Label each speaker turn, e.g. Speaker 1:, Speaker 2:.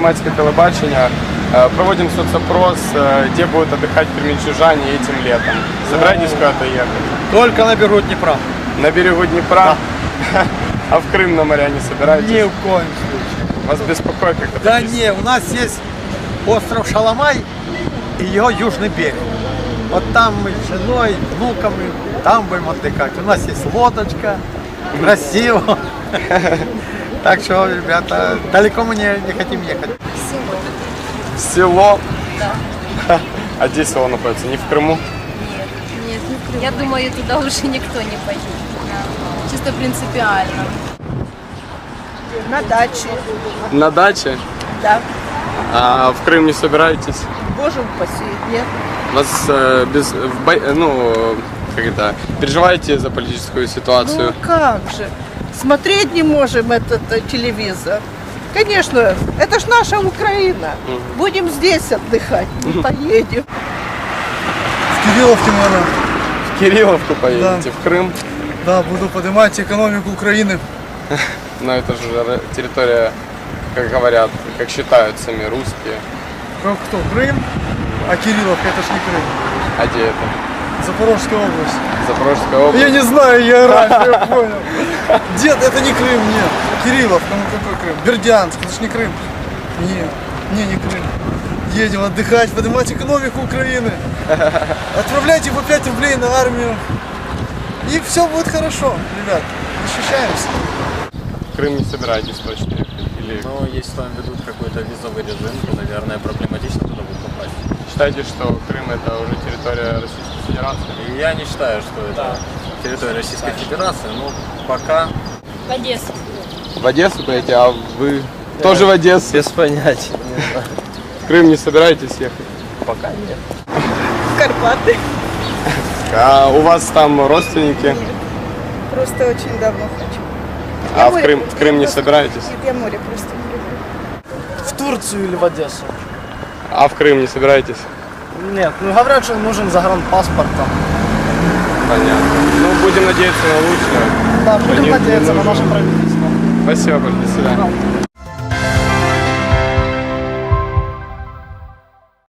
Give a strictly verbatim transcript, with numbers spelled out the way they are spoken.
Speaker 1: Громадское телебачение. Проводим соцопрос, где будут отдыхать кременчужане этим летом. Собираетесь куда-то ехать?
Speaker 2: Только на берегу Днепра.
Speaker 1: На берегу Днепра? Да. А в Крым на моря не собираетесь?
Speaker 2: Ни в коем случае.
Speaker 1: Вас беспокоит как-то?
Speaker 2: Да
Speaker 1: такие...
Speaker 2: не, у нас есть остров Шаламай и его южный берег. Вот там мы с женой, внуками, там будем отдыхать. У нас есть лодочка, красиво. Так что, ребята, далеко мы не, не хотим ехать.
Speaker 1: Село?
Speaker 3: Да.
Speaker 1: А где село находится? Не в Крыму?
Speaker 3: Нет, нет, не в Крыму. Я думаю, туда уже никто не поедет. Чисто принципиально.
Speaker 4: На даче.
Speaker 1: На даче?
Speaker 4: Да.
Speaker 1: А в Крым не собираетесь?
Speaker 4: Боже упаси, нет.
Speaker 1: Вас э, без, в бо... ну, как это, переживаете за политическую ситуацию?
Speaker 4: Ну как же. Смотреть не можем этот э, телевизор. Конечно, это ж наша Украина.
Speaker 1: Угу.
Speaker 4: Будем здесь отдыхать, не поедем.
Speaker 5: В Кирилловке, наверное.
Speaker 1: В Кирилловку поедете?
Speaker 5: Да.
Speaker 1: В Крым?
Speaker 5: Да, буду поднимать экономику Украины.
Speaker 1: Но это же территория, как говорят, как считают сами русские.
Speaker 5: Как кто? Крым? А Кирилловка, это ж не Крым.
Speaker 1: А где это?
Speaker 5: Запорожская область.
Speaker 1: Запорожская область?
Speaker 5: Я не знаю географию, я понял. Дед, это не Крым, нет. Кирилловка, ну какой Крым? Бердянск, это ж не Крым. Не, не, не Крым. Едем отдыхать, поднимать экономику Украины. Отправляйте по пять рублей на армию. И все будет хорошо, ребят. Защищаемся.
Speaker 1: В Крым не собираетесь точно ехать? Или...
Speaker 6: Но если там ведут какой-то визовый режим, то, наверное, проблематично туда будет попасть.
Speaker 1: Считаете, что Крым это уже территория Российской Федерации?
Speaker 6: И я не считаю, что это территория Российской Федерации, но пока...
Speaker 3: В Одессу.
Speaker 1: В Одессу поедете, а вы тоже в Одессу?
Speaker 6: Без понятия.
Speaker 1: В Крым не собираетесь ехать?
Speaker 6: Пока нет.
Speaker 4: В Карпаты.
Speaker 1: А у вас там родственники?
Speaker 4: Просто очень давно хочу.
Speaker 1: А в Крым, в Крым не собираетесь?
Speaker 4: Я море просто не люблю.
Speaker 7: В Турцию или в Одессу?
Speaker 1: А в Крым не собираетесь?
Speaker 7: Нет, ну говорят, что нужен загранпаспорт там.
Speaker 1: Понятно. Ну, будем надеяться на лучшее.
Speaker 7: Да, будем
Speaker 1: Нет, не
Speaker 7: надеяться на
Speaker 1: нужно.
Speaker 7: наше правительство.
Speaker 1: Спасибо большое. До свидания.